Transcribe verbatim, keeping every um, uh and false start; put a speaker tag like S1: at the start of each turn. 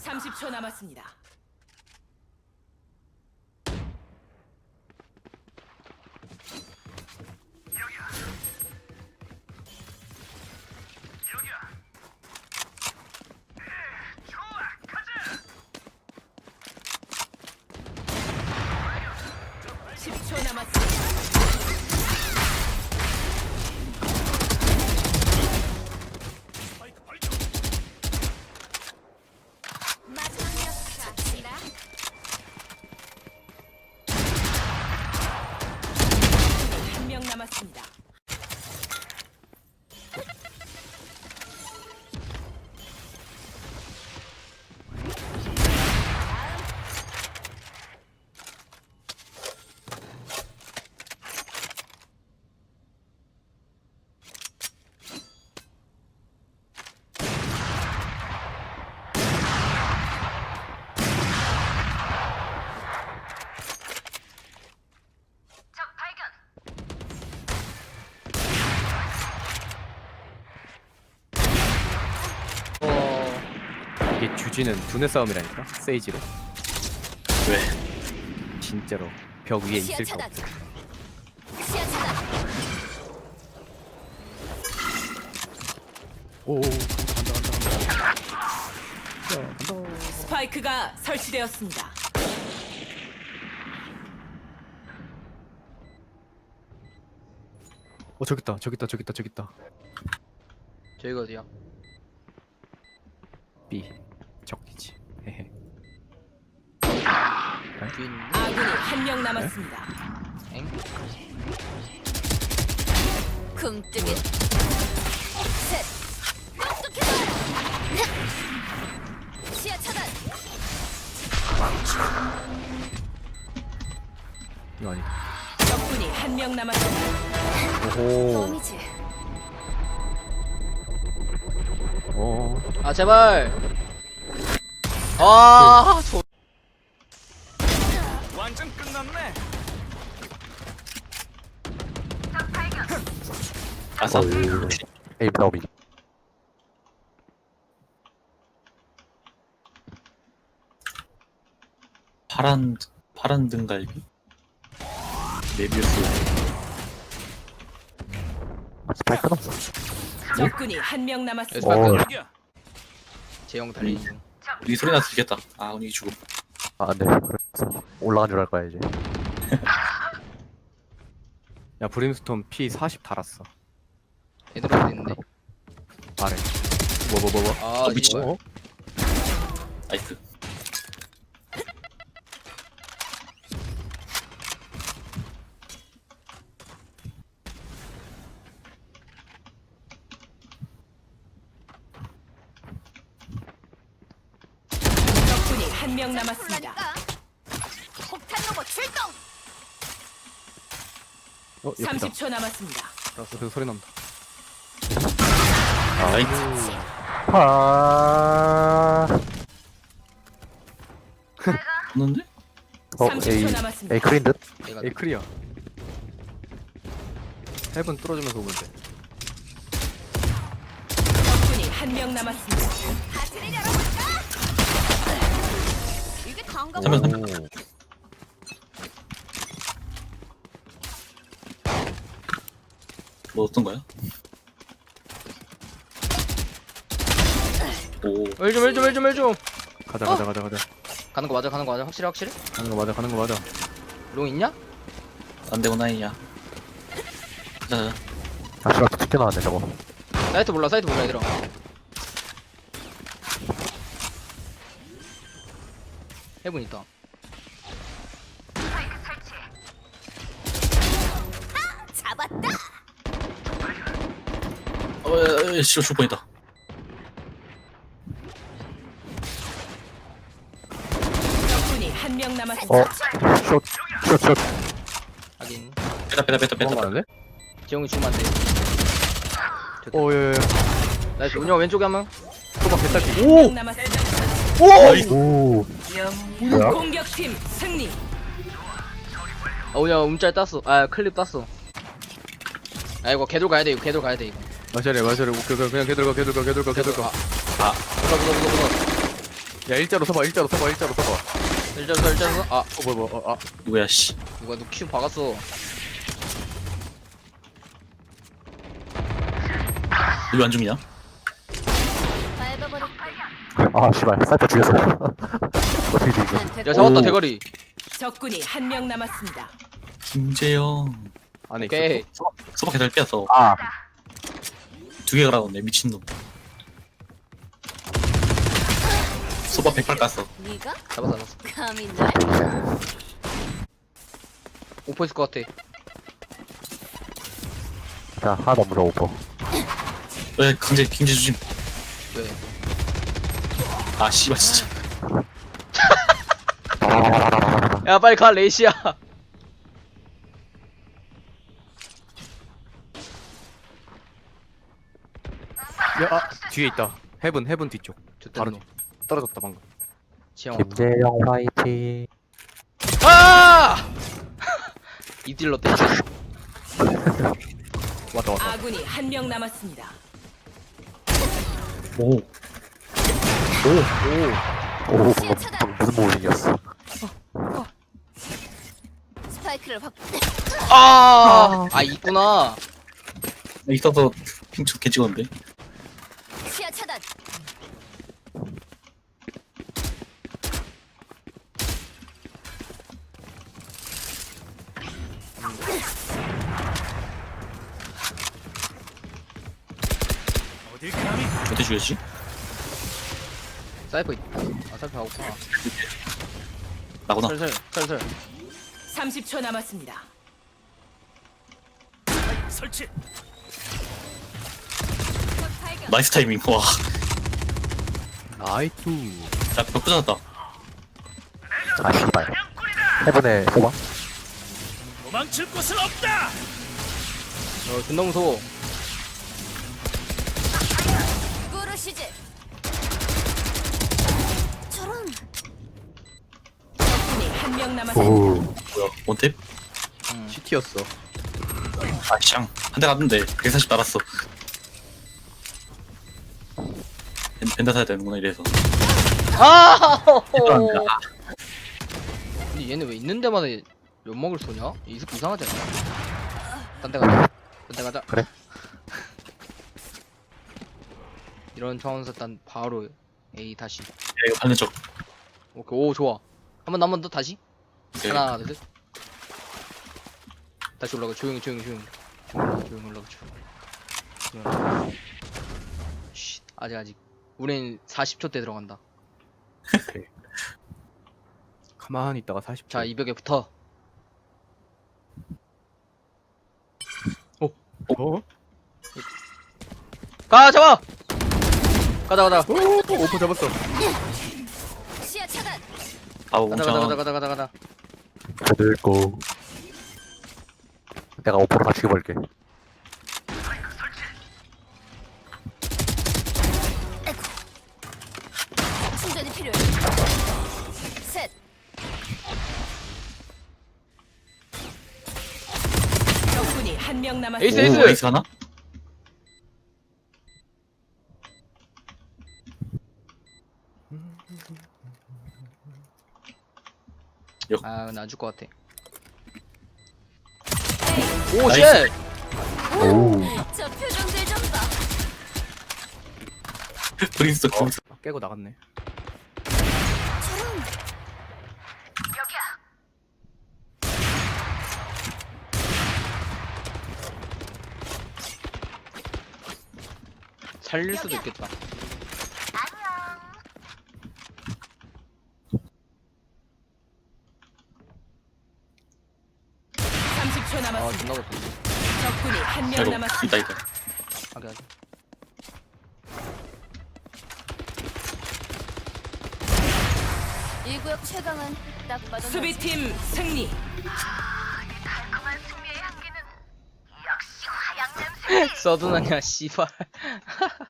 S1: 삼십 초 남았습니다. 십 초 남았습니다.
S2: 마지막 녀석 잡힌다.
S1: 한 명 남았습니다.
S2: 적 발견.
S3: 어... 이게 주지는 두뇌 싸움이라니까? 세이지로.
S4: 왜?
S3: 진짜로 벽 위에
S2: 시야
S3: 있을 수
S2: 차단.
S3: 없어.
S2: 시야 차단.
S3: 오, 간다 간다 간다 간다. 야, 간다.
S1: 스파이크가 설치되었습니다.
S3: 어 저기 있다 저기 있다 저기 있다 저기 있다.
S5: 저희가 어디야?
S3: B 적이지. 헤헤.
S5: 뒤에 있는데?
S1: 아군이 한 명 남았습니다.
S5: 엥?
S2: 굼뜨기. 셋. 똑똑해라. 시야 차단.
S3: 이거 아니다.
S1: 적군이 한 명 남았습니다.
S3: 오호.
S2: 뻥이지.
S3: 오.
S5: 아 제발! 아 저...
S4: 완전 끝났네.
S3: 아싸. 에임 나오미.
S4: 파란 파란 등갈비. 메비우스.
S3: 스파이크는 없어.
S1: 적군이 한 명 남았습니다.
S5: 어.
S4: 여기야.
S5: 제형 달리는 중.
S4: 이 소리 나서 죽겠다. 아 운이 죽음.
S3: 아 안돼. 그래서 올라간 줄 알 거야 이제. 야 브림스톤 피 사십 달았어.
S5: 얘들 어디 있는데?
S3: 아래. 뭐 뭐 뭐 뭐.
S5: 아
S4: 어, 미친.
S5: 씨발.
S3: 어?
S4: 나이스.
S1: 적군이 한 명 남았습니다.
S2: 폭탄 로봇 출동.
S3: 어 여기다.
S1: 삼십 초 남았습니다.
S3: 알았어. 그 소리 난다.
S4: 나이스.
S3: 아.
S4: 없는데?
S1: 삼십 초 남았습니다.
S3: 에이크린 듯?
S5: 얘가
S3: 에이크리야. 헤븐 뚫어주면서 오면 돼.
S1: 적군이 한 명 남았습니다.
S2: 하트를 열어볼까? 이게 단가.
S4: 삼 명, 삼 명. 뭐 어떤 거야? 오.
S5: 일좀 일 좀 일 좀 일 좀.
S3: 가자 가자 가자 가자.
S5: 가는 거 맞아 가는 거 맞아 확실해 확실해?
S3: 가는 거 맞아 가는 거 맞아.
S5: 롱 있냐?
S4: 안 되고 나이야. 자,
S3: 아 씨발 튀겨 나왔네 저거.
S5: 사이트 몰라 사이트 몰라 얘들아. 해븐 있다.
S2: 잡았다.
S4: 어, 에, 에, 싫어, 죽을 뻔했다.
S1: 적군이 한 명 남았습니다.
S3: 어. 숏. 숏 숏.
S5: 하긴
S4: 빼다, 빼다, 빼다, 빼다.
S3: 너무 많은데?
S5: 재용이 죽으면 안돼.
S3: 오예예.
S5: 나이스 운영 왼쪽에 한 명.
S3: 초밥 개딸기.
S1: 한 명 남았습니다.
S4: 나이스.
S3: 오. 뭐야?
S1: 공격팀 승리.
S5: 아 운영 움짤 땄어. 아 클립 땄어. 아 이거 개돌 가야 돼 이거 개돌 가야 돼 이거.
S3: 마셔래 마셔래. 오케이 그냥 걔들 가 걔들 가 걔들 가 걔들 가.
S5: 아. 물어 물어 물어 물어.
S3: 야 일자로 서봐 일자로 서봐 일자로 서봐.
S5: 일자로 서 일자로 서. 아
S3: 어 뭐야 뭐야 어, 아
S4: 누구야 씨.
S5: 누가 누 큐 박았어.
S4: 왜 안 죽냐?
S2: 밟아버릴게.
S6: 아 씨발 사이퍼 죽였어. 어떻게 죽이죠?
S2: 난 됐고.
S5: 야 잡았다
S6: 오.
S5: 대가리.
S1: 적군이 한 명 남았습니다.
S4: 김재영.
S3: 안에
S5: 오케이.
S3: 있어.
S4: 소박 소박 개들 뺐어.
S6: 아
S4: 두 개가 나오네 미친놈. 소박 백발 깠어.
S2: 네가
S5: 잡았어 잡았어.
S2: 감히 날
S5: 오퍼 있을 것 같아.
S6: 자 하나 더 물어 오퍼.
S4: 왜 강제 김재 주심.
S5: 왜?
S4: 아 씨발 진짜.
S5: 야 빨리 가 레이시야.
S3: 야 아, 뒤에 있다. 헤븐 헤븐 뒤쪽.
S5: 좋다
S3: 바로
S5: 너.
S3: 떨어졌다 방금.
S5: 지영.
S6: 김재영 화이팅.
S5: 아! 이 딜러 때.
S3: 왔다 왔다.
S1: 아군이 한 명 남았습니다.
S4: 오.
S6: 오 방금, 방금 무슨 모빙이었어?
S2: 스파이크를 확
S5: 아! 아 있구나.
S4: 있어서 핑크 개 찍었는데.
S2: 시야 차단.
S4: 어떻게 죽였지?
S5: 사이퍼 있다. 아 사이퍼 하고구나.
S4: 나구나.
S5: 설설 설설.
S1: 삼십 초 남았습니다.
S2: 적 발견.
S4: 나이스 타이밍. 와.
S3: 나이투.
S4: 야 벽 부서졌다.
S6: 아 씨발. 해븐에 소방.
S5: 어 존나 무서워.
S2: 꾸르시지. 저런
S1: 적군이 한 명 남았습니다.
S6: 오.
S4: 뭐야 원탭?
S5: 음.
S3: 시티였어.
S4: 아샹 한 대 갔는데 백사십 날았어. 벤- 벤다 사야 되는구나 이래서.
S5: 아!
S4: 얘도 안 돼. 아,
S5: 근데 얘네 왜 있는 데마다 연막을 쏘냐? 이 새끼 이상하지 않냐? 딴 데 가자. 딴 데 가자.
S6: 그래.
S5: 이런 차원에서 딴 바로 A 다시.
S4: 야, 이거 받는 척.
S5: 오케이 오 좋아. 한 번 한 번 더 다시.
S4: 오케이.
S5: 하나 둘 셋. 다시 올라가. 조용히 조용히 조용히. 조용히, 조용히 올라가. 조용히. 조용히. 쉿. 아직 아직. 우린 사십 초 때 들어간다.
S3: 가만히 있다가 사십 초.
S5: 자 이 벽에 붙어.
S3: 어?
S5: 가 잡아. 가자 가자.
S3: 오, 오, 오퍼 잡았어.
S2: 시야 차단.
S4: 아
S5: 가자 가자 가자
S4: 웅창.
S5: 가자 가자 가자.
S6: 그들고. 내가 오퍼로 다 죽여버릴게.
S2: 충전이 필요해. 셋.
S1: 적군이 한 명
S5: 에이스
S1: 남았습니다.
S5: 에이스.
S4: 오, 에이스 하나?
S5: 아 근데 안 줄 것 같아.
S2: 에이,
S5: 오
S4: 나이스.
S5: 쉣.
S6: 오.
S2: 저 표정들 좀 봐.
S4: 브린스 브린스.
S3: 깨고 나갔네.
S2: 저런
S5: 살릴 수도 있겠다.
S1: 삼십 초
S5: 아
S1: 남았습니다.
S5: 존나 못해.
S1: 적군이 한 명
S4: 아이고
S1: 남았습니다.
S4: 있다 있다.
S5: 하게 하게.
S2: 이 구역 최강은 딱 봐도
S1: 수비팀 승리.
S5: 서든하냐 씨발.